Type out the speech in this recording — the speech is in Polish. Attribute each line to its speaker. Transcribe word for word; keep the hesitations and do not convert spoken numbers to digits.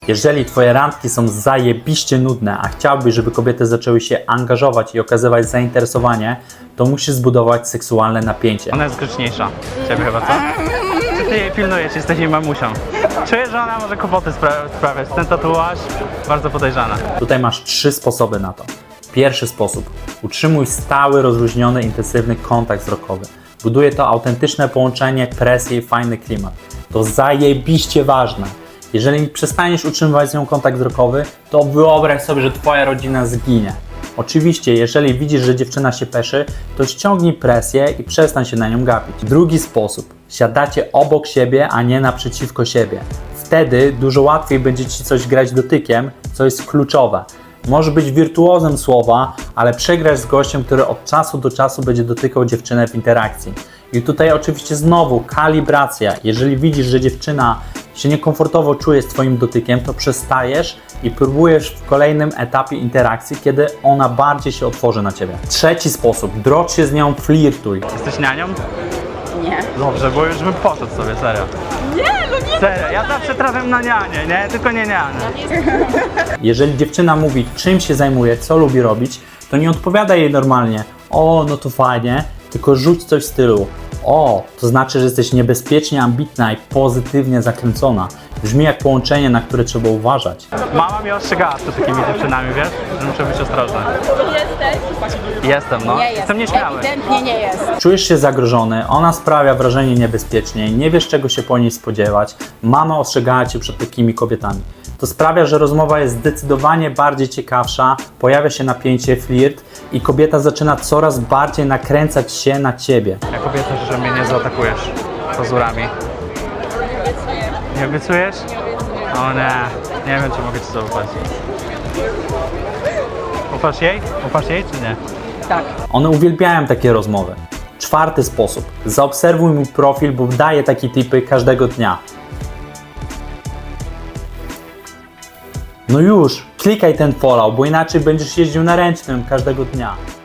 Speaker 1: Jeżeli twoje randki są zajebiście nudne, a chciałbyś, żeby kobiety zaczęły się angażować i okazywać zainteresowanie, to musisz zbudować seksualne napięcie.
Speaker 2: Ona jest grzeczniejsza. Ciebie chyba, co? Czy ty jej pilnujesz? Jesteś jej mamusią. Czuję, że ona może kłopoty spra- sprawiać. Ten tatuaż bardzo podejrzany.
Speaker 1: Tutaj masz trzy sposoby na to. Pierwszy sposób. Utrzymuj stały, rozluźniony, intensywny kontakt wzrokowy. Buduje to autentyczne połączenie, presję i fajny klimat. To zajebiście ważne. Jeżeli przestaniesz utrzymywać z nią kontakt wzrokowy, to wyobraź sobie, że twoja rodzina zginie. Oczywiście, jeżeli widzisz, że dziewczyna się peszy, to ściągnij presję i przestań się na nią gapić. Drugi sposób. Siadacie obok siebie, a nie naprzeciwko siebie. Wtedy dużo łatwiej będzie ci coś grać dotykiem, co jest kluczowe. Możesz być wirtuozem słowa, ale przegrasz z gościem, który od czasu do czasu będzie dotykał dziewczynę w interakcji. I tutaj oczywiście znowu kalibracja. Jeżeli widzisz, że dziewczyna się niekomfortowo czuje z twoim dotykiem, to przestajesz i próbujesz w kolejnym etapie interakcji, kiedy ona bardziej się otworzy na ciebie. Trzeci sposób. Drocz się z nią, flirtuj.
Speaker 2: Jesteś nianią?
Speaker 3: Nie.
Speaker 2: Dobrze, bo już bym poszedł sobie, serio.
Speaker 3: Nie, no nie.
Speaker 2: Serio, ja zawsze trafiam na nianie, nie? Tylko nie nianie.
Speaker 1: Jeżeli dziewczyna mówi, czym się zajmuje, co lubi robić, to nie odpowiadaj jej normalnie. O, no to fajnie, tylko rzuć coś w stylu. O, to znaczy, że jesteś niebezpiecznie ambitna i pozytywnie zakręcona. Brzmi jak połączenie, na które trzeba uważać.
Speaker 2: Mama mnie ostrzegała przed takimi dziewczynami, wiesz? Że muszę być ostrożny.
Speaker 3: Jesteś?
Speaker 2: Jestem, no.
Speaker 3: Nie jest.
Speaker 2: Jestem nieśmiały.
Speaker 3: Ewidentnie nie jest.
Speaker 1: Czujesz się zagrożony, ona sprawia wrażenie niebezpiecznej, nie wiesz czego się po niej spodziewać, mama ostrzegała cię przed takimi kobietami. To sprawia, że rozmowa jest zdecydowanie bardziej ciekawsza, pojawia się napięcie, flirt i kobieta zaczyna coraz bardziej nakręcać się na ciebie.
Speaker 2: Jak obiecasz, że mnie nie zaatakujesz pazurami. Nie obiecujesz? O nie, nie wiem, czy mogę ci zaufać. Ufasz jej? Ufasz jej, czy nie?
Speaker 3: Tak.
Speaker 1: One uwielbiają takie rozmowy. Czwarty sposób. Zaobserwuj mój profil, bo daję takie tipy każdego dnia. No już, klikaj ten follow, bo inaczej będziesz jeździł na ręcznym każdego dnia.